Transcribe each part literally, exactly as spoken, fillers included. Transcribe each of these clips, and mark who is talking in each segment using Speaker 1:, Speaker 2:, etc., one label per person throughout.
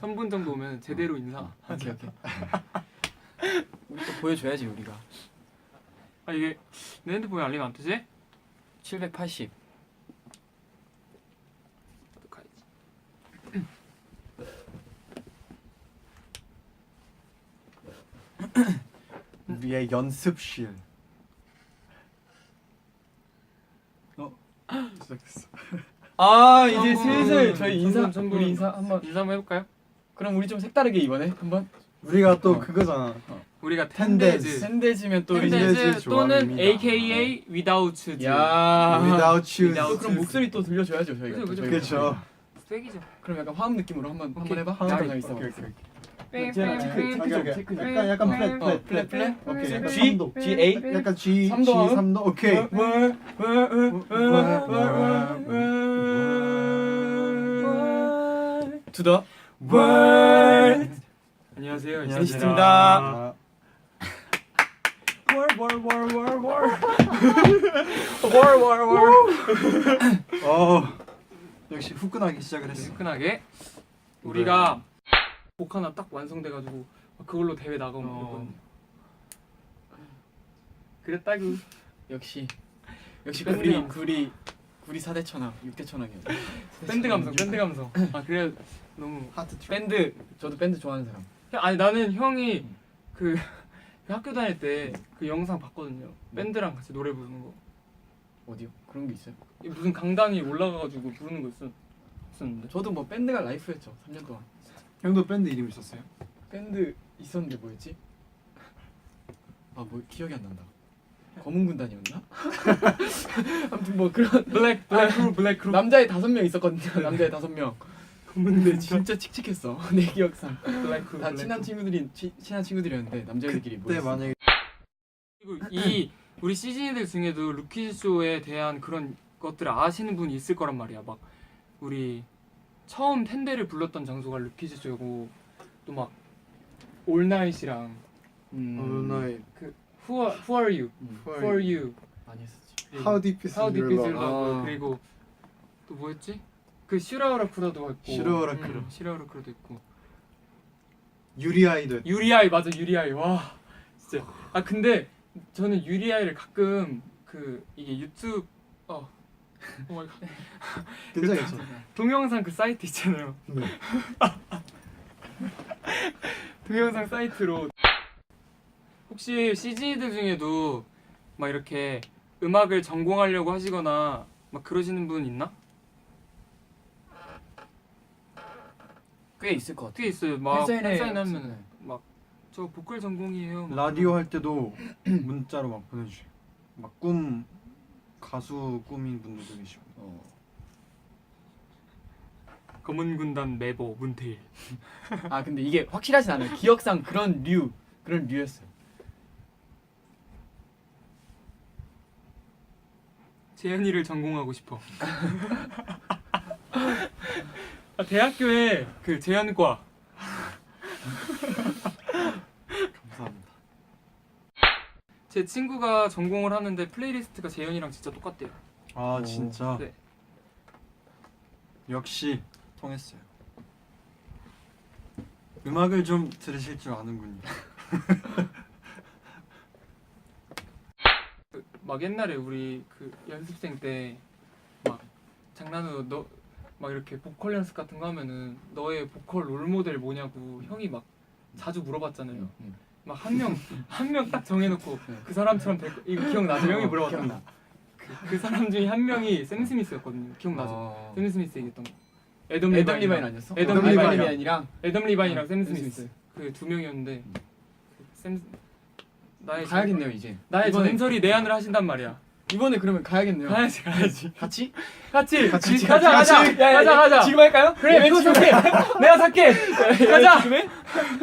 Speaker 1: 삼 분 정도 오면 제대로 인사.
Speaker 2: 어, 오케이 오케이. 우리 또 보여줘야지 우리가.
Speaker 1: 아 이게 내 핸드폰에 알림 안 뜨지?
Speaker 2: 칠백팔십.
Speaker 3: 우리의 연습실. 어? 시작했어.
Speaker 2: 아 이제
Speaker 1: 한 분,
Speaker 2: 슬슬 저희 인사
Speaker 1: 한 분, 한 분.
Speaker 2: 우리 인사 한번.
Speaker 1: 인사 한번 해볼까요?
Speaker 2: 그럼 우리 좀 색다르게 이번에 한번.
Speaker 3: 우리가 또
Speaker 2: 어.
Speaker 3: 그거잖아.
Speaker 1: 우리가
Speaker 3: 텐데즈.
Speaker 1: 텐데즈.
Speaker 2: 샌데지면 또 이제.
Speaker 3: 텐데즈
Speaker 1: 텐데즈 또는
Speaker 3: 좋아합니다.
Speaker 1: 에이케이에이 Without You.
Speaker 2: 야.
Speaker 3: Without you.
Speaker 1: Without
Speaker 2: 또 그럼 목소리 또 들려줘야죠 저희가.
Speaker 1: 그죠,
Speaker 2: 또
Speaker 1: 그죠.
Speaker 2: 저희가.
Speaker 3: 그렇죠.
Speaker 1: 쇠기죠.
Speaker 2: 그럼 약간 화음 느낌으로 한번 한번
Speaker 1: 오케이.
Speaker 2: 해봐.
Speaker 3: 화음
Speaker 2: 잠깐만
Speaker 3: 느낌.
Speaker 2: 있어.
Speaker 3: 오케이, 오케이,
Speaker 2: 제가 체크 체크 좀
Speaker 3: 오케이,
Speaker 2: 체크 좀.
Speaker 3: 약간 약간 플랫
Speaker 2: 어,
Speaker 3: 플랫
Speaker 2: 플랫 플랫.
Speaker 3: 오케이. 약간
Speaker 2: G
Speaker 3: 삼도.
Speaker 2: G A.
Speaker 3: 약간 G
Speaker 2: 삼도
Speaker 3: G
Speaker 2: 화음?
Speaker 3: 삼도 오케이.
Speaker 2: To the world.
Speaker 1: 안녕하세요.
Speaker 2: 안녕하십니까.
Speaker 3: 어 역시 후끈하게 시작을 했어.
Speaker 1: 시큰하게 우리가 곡 하나 딱 완성돼가지고 그걸로 대회 나가면
Speaker 3: 어.
Speaker 1: 되거든. 그랬다구.
Speaker 2: 역시 역시
Speaker 1: 밴드
Speaker 2: 구리
Speaker 1: 감성.
Speaker 2: 구리 구리 사 대 천왕 육 대 천왕이야.
Speaker 1: 밴드 감성, 밴드 감성. 아 그래 너무.
Speaker 3: 하트 트랙.
Speaker 2: 밴드 저도 밴드 좋아하는 사람.
Speaker 1: 아니 나는 형이 그, 그 학교 다닐 때 그 영상 봤거든요. 밴드랑 같이 노래 부르는 거.
Speaker 2: 어디요? 그런 게 있어요?
Speaker 1: 무슨 강당에 올라가가지고 부르는 거 있었, 있었는데.
Speaker 2: 저도 뭐 밴드가 라이프였죠. 삼 년 동안.
Speaker 3: 형도 밴드 이름 있었어요?
Speaker 2: 밴드 있었는데 뭐였지? 아 뭐 기억이 안 난다. 검은 군단이었나? 아무튼 뭐 그런
Speaker 1: 블랙 블랙 크루 블랙 크루.
Speaker 2: 남자애 다섯 명 있었거든요. 남자애 다섯 명. 근데 진짜 칙칙했어. 내 기억상.
Speaker 1: 블랙 크루.
Speaker 2: 다
Speaker 1: 블랙
Speaker 2: 친한
Speaker 1: 크루.
Speaker 2: 친구들이 치, 친한 친구들이었는데 남자애들끼리
Speaker 3: 그때
Speaker 2: 모였어.
Speaker 3: 만약에
Speaker 1: 그리고 이 우리 시즌이들 중에도 루키즈 쇼에 대한 그런 것들을 아시는 분이 있을 거란 말이야. 막 우리 처음 텐데를 불렀던 장소가 루키즈 쇼고 또 막 올나잇이랑
Speaker 2: 음,
Speaker 3: 오늘
Speaker 1: 그 Who are, who are you?
Speaker 2: 음,
Speaker 1: Who are you?
Speaker 2: 많이 했었지.
Speaker 3: How Deep Is
Speaker 1: How deep
Speaker 3: Your
Speaker 1: is your
Speaker 3: Love.
Speaker 1: love?
Speaker 2: 아.
Speaker 1: 그리고 또 뭐였지? 그 슈라우라쿠라도 있고
Speaker 3: 슈라우라쿠라.
Speaker 1: 음, 슈라우라쿠라도 있고
Speaker 3: 유리아이도 했-
Speaker 1: 유리아이 맞아 유리아이 와 진짜 아 근데 저는 유리아이를 가끔 그 이게 유튜브 어 오 마이 갓.
Speaker 3: 괜찮겠죠?
Speaker 1: 동영상 그 사이트 있잖아요.
Speaker 3: 네.
Speaker 1: 동영상 사이트로 혹시 씨지이들 중에도 막 이렇게 음악을 전공하려고 하시거나 막 그러시는 분 있나?
Speaker 2: 꽤 있을 것 같아.
Speaker 1: 어떻게 있어요? 막
Speaker 2: 팬사인회
Speaker 1: 팬사인
Speaker 2: 없었네.
Speaker 1: 하면 막 저 보컬 전공이에요. 막
Speaker 3: 라디오 할 때도 문자로 막 보내주세요. 막 꿈 가수 꿈인 분들도 계시고.
Speaker 2: 어.
Speaker 1: 검은 군단 메보 문태일.
Speaker 2: 아 근데 이게 확실하진 않아요. 기억상 그런 류 그런 류였어요.
Speaker 1: 재현이를 전공하고 싶어. 아, 대학교에 그 재현과
Speaker 3: 감사합니다.
Speaker 1: 제 친구가 전공을 하는데 플레이리스트가 재현이랑 진짜 똑같대요.
Speaker 3: 아
Speaker 2: 오.
Speaker 3: 진짜
Speaker 1: 네.
Speaker 3: 역시 통했어요. 음악을 좀 들으실 줄 아는군요.
Speaker 1: 그, 막 옛날에 우리 그 연습생 때 막 장난으로 너 막 이렇게 보컬 연습 같은 거 하면은 너의 보컬 롤 모델 뭐냐고 형이 막 자주 물어봤잖아요.
Speaker 2: 음.
Speaker 1: 막 한 명 한 명 딱 정해놓고
Speaker 2: 네.
Speaker 1: 그 사람처럼 될 거, 이거 기억나죠? 형이
Speaker 2: 어,
Speaker 1: 물어봤던
Speaker 2: 기억나.
Speaker 1: 그, 그 사람 중에 한 명이 샘 스미스였거든요. 기억나죠?
Speaker 2: 어.
Speaker 1: 샘 스미스 얘기했던 거. 애덤
Speaker 2: 애덤
Speaker 1: 리바인
Speaker 2: 리바인 아니었어?
Speaker 1: 애덤
Speaker 2: 애덤
Speaker 1: 리바인.
Speaker 2: 리바인이랑
Speaker 1: 애덤 리바인이랑
Speaker 2: 음,
Speaker 1: 샘
Speaker 2: 샘
Speaker 1: 스미스
Speaker 2: 스미스.
Speaker 1: 그 두 명이었는데 샘 나의
Speaker 2: 가야겠네요 이제.
Speaker 1: 나의
Speaker 2: 이번에
Speaker 1: 전설이 내한을 하신단 말이야.
Speaker 2: 이번에 그러면 가야겠네요.
Speaker 1: 가야지 가야지.
Speaker 2: 같이?
Speaker 1: 같이
Speaker 3: 같이,
Speaker 1: 가자
Speaker 3: 같이,
Speaker 1: 가자
Speaker 3: 같이.
Speaker 1: 가자 가자.
Speaker 2: 지금 할까요?
Speaker 1: 그래
Speaker 2: 네,
Speaker 1: 그거
Speaker 2: 지금
Speaker 1: 살게. 내가 살게. 가자.
Speaker 2: 지금 해?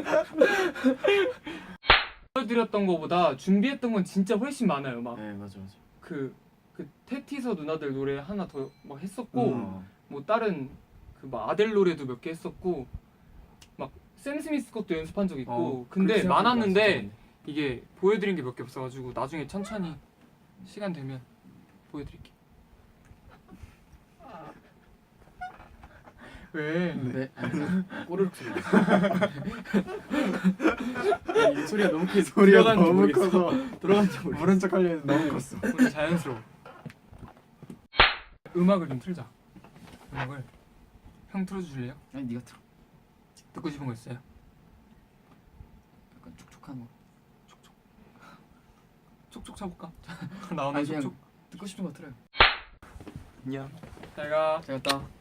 Speaker 1: 보여드렸던 거보다 준비했던 건 진짜 훨씬 많아요. 막
Speaker 2: 네 맞아 맞아.
Speaker 1: 그 그 테티서 누나들 노래 하나 더 막 했었고
Speaker 3: 음.
Speaker 1: 뭐 다른 그 막 아델 노래도 몇 개 했었고 막 샘 스미스 것도 연습한 적 있고
Speaker 2: 어,
Speaker 1: 근데
Speaker 2: 그렇게 생각해보니까
Speaker 1: 많았는데
Speaker 2: 진짜
Speaker 1: 이게 보여드린 게 몇 개 없어가지고 나중에 천천히 시간 되면 보여드릴게요. 왜?
Speaker 2: 네. 아니, 꼬르륵 소리. 아니, 이 소리가 너무 크게
Speaker 3: 소리가
Speaker 2: 들어가는지
Speaker 3: 너무
Speaker 2: 모르겠어.
Speaker 3: 커서
Speaker 2: 들어가는지 모르겠어.
Speaker 3: 모른 척 하려는 너무 컸어.
Speaker 1: 우리 자연스러워. 음악을 좀 틀자. 음악을 형 틀어주실래요?
Speaker 2: 아니 네가 들어.
Speaker 1: 듣고 싶은 거 있어요?
Speaker 2: 약간 촉촉한 거.
Speaker 1: 촉촉 쳐볼까? 나오는
Speaker 2: 아니, 그냥
Speaker 1: 촉촉.
Speaker 2: 듣고 싶은 거 틀어요.
Speaker 3: 안녕.
Speaker 1: 잘 가.
Speaker 2: 잘 갔다.